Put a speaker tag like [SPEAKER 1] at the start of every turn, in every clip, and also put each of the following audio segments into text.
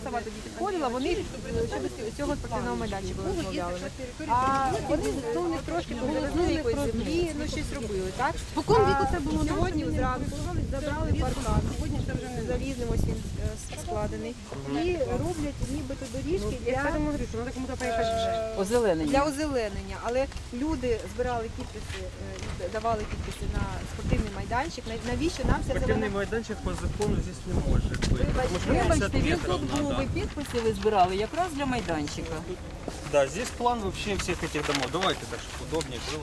[SPEAKER 1] сама тоді підходила, вони щодо цього спортивного майданчика розмовляли. А вони них трошки повезли якоїсь землі, ну щось робили, так? По кому віку це було? Сьогодні зранку забрали паркан, сьогодні це вже не залізним, ось він складений. І роблять нібито доріжки для озеленення. Але люди збирали підписи, давали підписи на спортивний майданчик. Навіщо нам ця
[SPEAKER 2] Спортивний
[SPEAKER 1] зелена?
[SPEAKER 2] майданчик по закону здесь не може бути.
[SPEAKER 3] Вибачте, він тут був, ви підписи ви збирали якраз для майданчика.
[SPEAKER 2] Да, здесь план вообще всех этих домов. Давайте, да, чтобы удобнее было.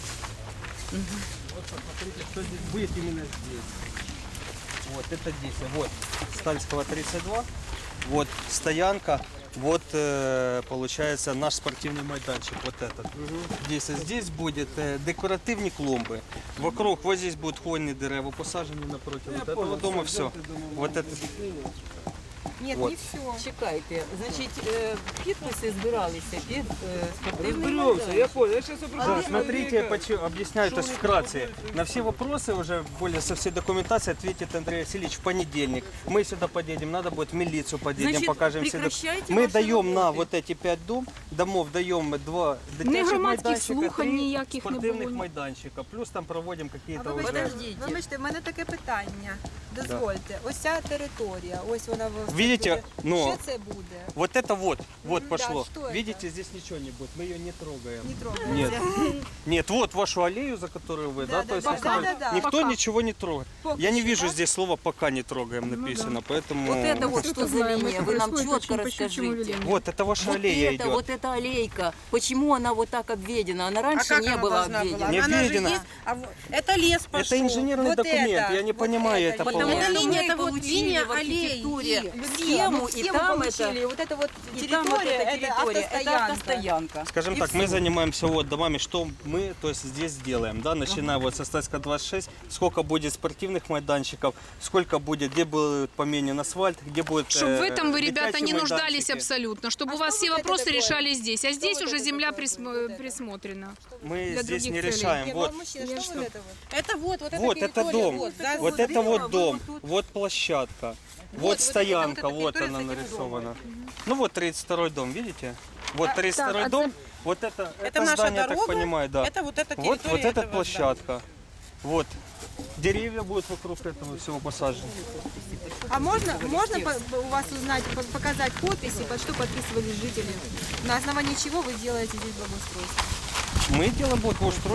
[SPEAKER 2] Вот посмотрите, что здесь будет именно здесь. Вот это здесь. Вот Стальского 32. Вот стоянка. Вот получается наш спортивный майданчик. Вот этот. Здесь будет декоративные клумбы. Вокруг вот здесь будут хвойные дерева посажены напротив вот этого дома. Все. Вот это.
[SPEAKER 1] Ні,
[SPEAKER 2] Вот.
[SPEAKER 1] не все.
[SPEAKER 3] Чекайте, значить, підписи збиралися під спортивний
[SPEAKER 4] Разберемся, я
[SPEAKER 3] майданчик.
[SPEAKER 4] понял. Я сейчас
[SPEAKER 2] Да, смотрите, объясняю, то есть вкратце. На все вопросы уже более со всей документацией ответит Андрей Васильевич в понедельник. Мы сюда подъедем, надо будет в милицию подъедем,
[SPEAKER 3] Значит,
[SPEAKER 2] покажем все
[SPEAKER 3] прекращайте
[SPEAKER 2] Мы
[SPEAKER 3] ваши
[SPEAKER 2] даем на
[SPEAKER 3] работы.
[SPEAKER 2] вот эти 5 домов, даем 2
[SPEAKER 5] Не
[SPEAKER 2] дитячих
[SPEAKER 5] громадських
[SPEAKER 2] майданчика,
[SPEAKER 5] слухань
[SPEAKER 2] 3
[SPEAKER 5] ніяких не
[SPEAKER 2] спортивных
[SPEAKER 5] було.
[SPEAKER 2] майданчика. Плюс там проводим какие-то уже...
[SPEAKER 3] Подождіть.
[SPEAKER 1] Вибачте, в мене таке питання. Дозвольте. Ось ця територія, ось вона в
[SPEAKER 2] Видите, но
[SPEAKER 1] що це буде?
[SPEAKER 2] вот это вот пошло.
[SPEAKER 1] что это?
[SPEAKER 2] Видите, здесь ничего не будет, мы ее не трогаем.
[SPEAKER 1] Не трогайте.
[SPEAKER 2] Нет, нет, вот вашу аллею, за которую вы, да, то есть
[SPEAKER 1] да.
[SPEAKER 2] никто
[SPEAKER 1] Пока.
[SPEAKER 2] ничего не трогает.
[SPEAKER 1] Пока
[SPEAKER 2] Я не
[SPEAKER 1] что,
[SPEAKER 2] вижу
[SPEAKER 1] да?
[SPEAKER 2] здесь слова «пока не трогаем» написано, поэтому...
[SPEAKER 3] Вот это вот что за линия, вы нам
[SPEAKER 5] происходит,
[SPEAKER 3] четко
[SPEAKER 5] очень по щучьему
[SPEAKER 3] расскажите.
[SPEAKER 5] велению.
[SPEAKER 2] Вот, это ваша
[SPEAKER 3] Вот
[SPEAKER 2] аллея
[SPEAKER 3] это,
[SPEAKER 2] идет.
[SPEAKER 3] вот эта аллейка, почему она вот так обведена? Она раньше не была обведена.
[SPEAKER 2] Не
[SPEAKER 6] Она же
[SPEAKER 2] обведена.
[SPEAKER 6] есть, это лес пошел.
[SPEAKER 2] Это инженерный
[SPEAKER 6] вот
[SPEAKER 2] документ,
[SPEAKER 6] это,
[SPEAKER 2] я не
[SPEAKER 6] вот
[SPEAKER 2] понимаю
[SPEAKER 6] это.
[SPEAKER 2] это
[SPEAKER 3] Потому
[SPEAKER 2] полностью.
[SPEAKER 3] что
[SPEAKER 6] линия,
[SPEAKER 3] мы
[SPEAKER 6] это вот
[SPEAKER 3] получили
[SPEAKER 6] линия
[SPEAKER 3] в
[SPEAKER 6] аллеи.
[SPEAKER 3] архитектуре
[SPEAKER 1] Да,
[SPEAKER 3] схему,
[SPEAKER 1] мы
[SPEAKER 3] и
[SPEAKER 1] схему
[SPEAKER 3] там
[SPEAKER 1] получили,
[SPEAKER 3] это...
[SPEAKER 1] вот это вот
[SPEAKER 3] И там вот
[SPEAKER 1] территория,
[SPEAKER 3] эта территория, это
[SPEAKER 1] автостоянка.
[SPEAKER 3] автостоянка.
[SPEAKER 2] Скажем
[SPEAKER 3] И
[SPEAKER 2] так, мы
[SPEAKER 3] всё.
[SPEAKER 2] занимаемся вот домами, что мы, то есть здесь делаем, да, начиная вот со Стальска 26, сколько будет спортивных майданчиков, сколько будет, где будет поменен асфальт, где будет
[SPEAKER 5] Чтобы в этом вы, ребята,
[SPEAKER 2] дитячие
[SPEAKER 5] не нуждались
[SPEAKER 2] майданчики.
[SPEAKER 5] абсолютно, чтобы
[SPEAKER 1] А
[SPEAKER 5] у вас
[SPEAKER 1] что
[SPEAKER 5] все
[SPEAKER 1] вот это
[SPEAKER 5] вопросы
[SPEAKER 1] такое?
[SPEAKER 5] решались здесь. А здесь
[SPEAKER 1] вот
[SPEAKER 5] уже
[SPEAKER 1] это
[SPEAKER 5] земля
[SPEAKER 1] такое? Вот это.
[SPEAKER 5] присмотрена.
[SPEAKER 2] Мы
[SPEAKER 5] для
[SPEAKER 2] здесь
[SPEAKER 5] других
[SPEAKER 2] не
[SPEAKER 5] целей?
[SPEAKER 2] решаем.
[SPEAKER 1] Не,
[SPEAKER 2] Вот,
[SPEAKER 1] ну, мужчина, что вот это вот?
[SPEAKER 6] Это вот эта
[SPEAKER 2] вот это
[SPEAKER 6] территория,
[SPEAKER 2] дом,
[SPEAKER 6] вот, за-
[SPEAKER 2] вот это вот дом, вот площадка, вот
[SPEAKER 6] это
[SPEAKER 2] стоянка,
[SPEAKER 6] вот эта
[SPEAKER 2] вот
[SPEAKER 6] территория
[SPEAKER 2] она
[SPEAKER 6] с этим
[SPEAKER 2] нарисована. Ну вот 32-й дом, видите? Вот 32-й дом, вот это
[SPEAKER 6] наша
[SPEAKER 2] здание, я так
[SPEAKER 6] дорога,
[SPEAKER 2] понимаю, да.
[SPEAKER 6] это вот эта
[SPEAKER 2] Вот
[SPEAKER 6] территория
[SPEAKER 2] эта
[SPEAKER 6] этого
[SPEAKER 2] площадка. Вот. Деревья будут вокруг этого всего посажены.
[SPEAKER 1] А можно у вас узнать, показать подписи, под что подписывались жители? На основании чего вы делаете здесь благоустройство?
[SPEAKER 2] Мы делаем благоустройство.